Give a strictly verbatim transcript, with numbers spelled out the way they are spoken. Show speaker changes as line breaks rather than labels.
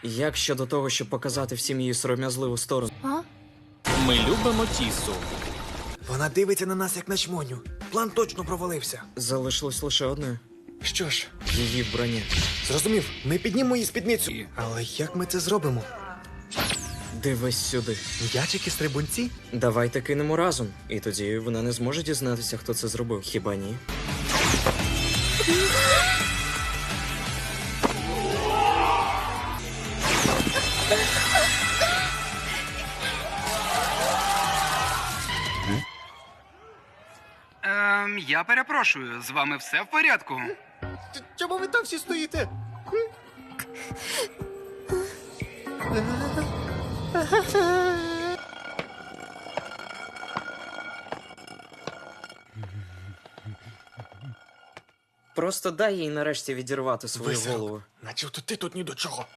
Як щодо того, щоб показати всім її сором'язливу сторону?
А?
Ми любимо Тісу.
Вона дивиться на нас, як на чмоню. План точно провалився.
Залишилось лише одне.
Що ж,
Її вбрання.
зрозумів, ми піднімемо її спідницю. Але як ми це зробимо?
Дивись сюди.
М'ячики-стрибунці?
Давайте кинемо разом. І тоді вона не зможе дізнатися, хто це зробив. Хіба ні?
Ем, я перепрошую, з вами все в порядку?
Чому ви там всі стоїте?
Просто дай їй нарешті відірвати свою
Весело.
голову.
Наче ти тут ні до чого.